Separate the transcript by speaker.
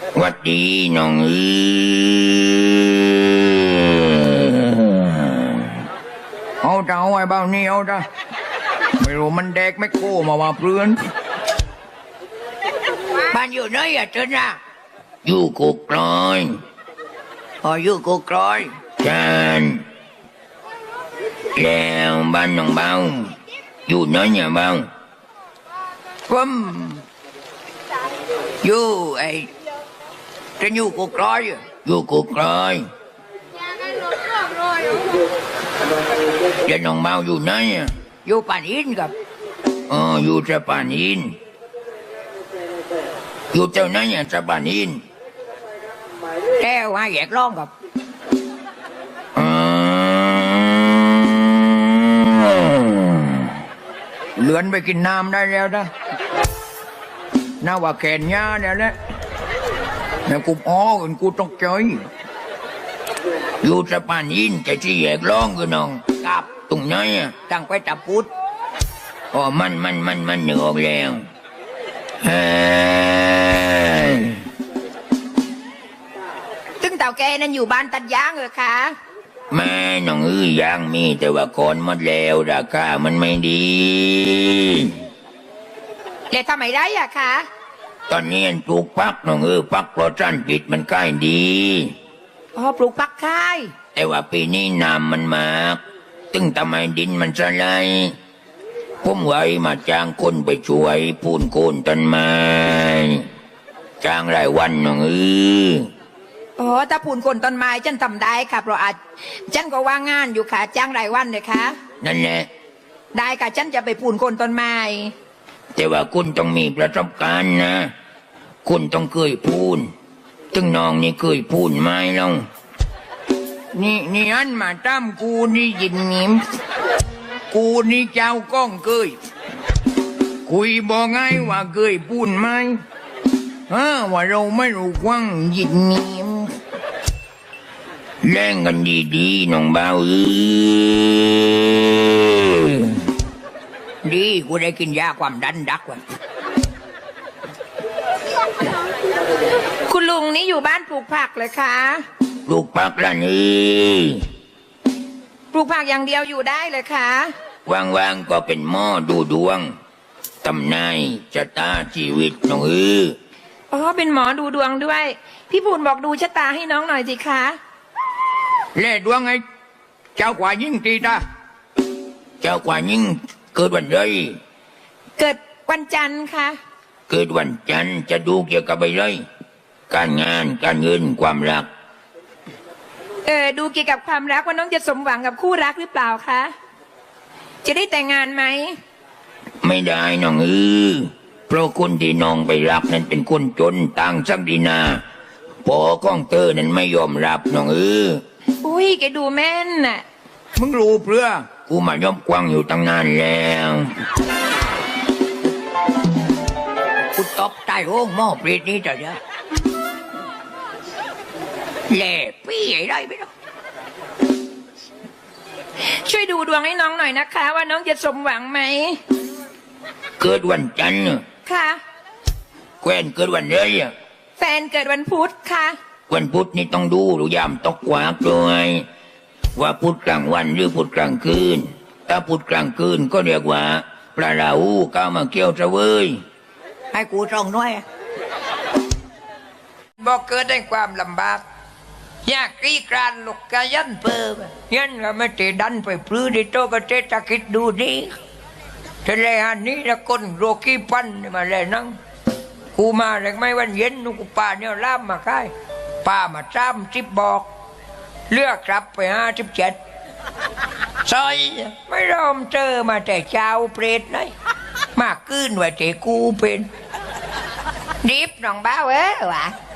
Speaker 1: วัดดีน้องเอาเจ้าไอ้บ้านี่เอาจ้ะไม่รู้มันแดกไม่โก้มาว่าเพื่อนบ้านอยู่ไหนอะเจ้าน่ะอยู่กุกลอยอยู่กุกลอยจันแล้วบ้านน้องเบาอยู่ไหนเนี่ยเบาผมอยู่ไอ้จะอยู่กุกลอยอยู่กุกลอยจะน้องเบาอยู่ไหนอะอยู่ป่านอินครับอยู่จะป่านอินอยู่เจ้าไหนอะจะป่านอินแก้วแยกร้องครับเลือนไปกินน้ำได้แล้วนะน่าว่าแขนยาเนี่ยแหละเนี่ยกูกูต้องใจอยู่จะป่านอินแต่ที่แยกร้องคือน้องกับตรงไหนอะตั้งไปตะพุดมันเหนือออกแล้ว
Speaker 2: ตึงเต่าแกนั่นอยู่บ้านตัดยางเหรอคะ
Speaker 1: แม่น้องยังมีแต่ว่าคนหมดแล้วราคามันไม่ดี
Speaker 2: แล้วทำไมได้อะคะ
Speaker 1: ตอนนี้ปลูกปักน้องปักโปรตันปิดมันใกล้ดี
Speaker 2: ปลูกปักค่าย
Speaker 1: แต่ว่าปีนี้น้ำมันมากตึงทำไมดินมันสลายผมไว้มาจ้างคนไปช่วยพูนโคนต้นไม้จ้างรายวันน้อง
Speaker 2: ถ้าปูนคนต้นไม้ฉันทำได้ค่ะเพราะอาจฉันก็ว่างงานอยู่ค่ะจ้างรายวันเลยค่ะ
Speaker 1: นั่นแหละ
Speaker 2: ได้ค่ะฉันจะไปปูนคนต้นไม้
Speaker 1: แต่ว่าคุณต้องมีประสบการณ์นะคุณต้องเคยพูนตึงน้องนี่เคยพูนไหมล่ะนี่อันมาตั้มกูนี่ยินนิ่มกูนี่เจ้าก้องเคยคุยบอกไงว่าเคยพูนไหมว่าเราไม่รู้กว้างยินนิ่มแล่งกันดีๆน้องเบาดีกูได้กินยาความดันดักว่ะ
Speaker 2: คุณลุงนี่อยู่บ้านปลูกผักเลยคะ
Speaker 1: ปลูกผักละนี่
Speaker 2: ปลูกผักอย่างเดียวอยู่ได้เลยคะ
Speaker 1: ว่างๆก็เป็นหม้อดูดวงตำนายชะตาชีวิตน้อง
Speaker 2: เป็นหมอดูดวงด้วยพี่ปูนบอกดูชะตาให้น้องหน่อยสิคะ
Speaker 1: เล่ดวงไงเจ้ากว่ายิ่งตีตาเจ้ากว่ายิ่งเกิดวันใด
Speaker 2: เกิดวันจันทร์ค่ะ
Speaker 1: เกิดวันจันทร์จะดูเกี่ยวกับอะไรการงานการเงินความรัก
Speaker 2: ดูเกี่ยวกับความรักว่าน้องจะสมหวังกับคู่รักหรือเปล่าคะจะได้แต่งงานไหม
Speaker 1: ไม่ได้น้องเพราะคนที่น้องไปรักนั้นเป็นคนจนต่างสักดีนาพอก้องเตอร์นั้นไม่ยอมรับน้อง
Speaker 2: อุ้ยแกดูแม่นน่ะ
Speaker 1: มึงรู้เพื่อกูมาย่อมกวางอยู่ตั้งนานแล้วกูตบใต้โอ่งหม้อปรีดนี้เถอะนะแหล่ปี้ไอ้ไรไม่รู้
Speaker 2: ช่วยดูดวงให้น้องหน่อยนะคะว่าน้องจะสมหวังไหม
Speaker 1: เกิดวันจันทร์
Speaker 2: ค่ะ
Speaker 1: แควนเกิดวันอะไร
Speaker 2: แฟนเกิดวันพุธค่ะ
Speaker 1: วันพุธนี่ต้องดูหรือยามตกกวากเลยว่าพุธกลางวันหรือพุธกลางคืนถ้าพุธกลางคืนก็เรียกว่าปลาราหูก้าวมาเกี่ยวจะเว้ยให้กูส่งด้วยบอกเกิดได้ความลำบากยากกรีกรานลูกกายันเปิมยันก็ไม่ติดันไปพลื้ดิโตก็เจตคิดดูนี่ทะเลอันนี้ละคนโรคีปันมาเลยนั่งกูมาเลยไม่วันเย็นนุกูป่าเนี่ยล่ามมาค่ายป่ามา30บอกเลือกกลับไป57ซอยไม่ยอมเจอมาแต่เช้าเปรตไหนมากขึ้นว่าเจกูเป็น
Speaker 2: รีบน้องบ้าววะ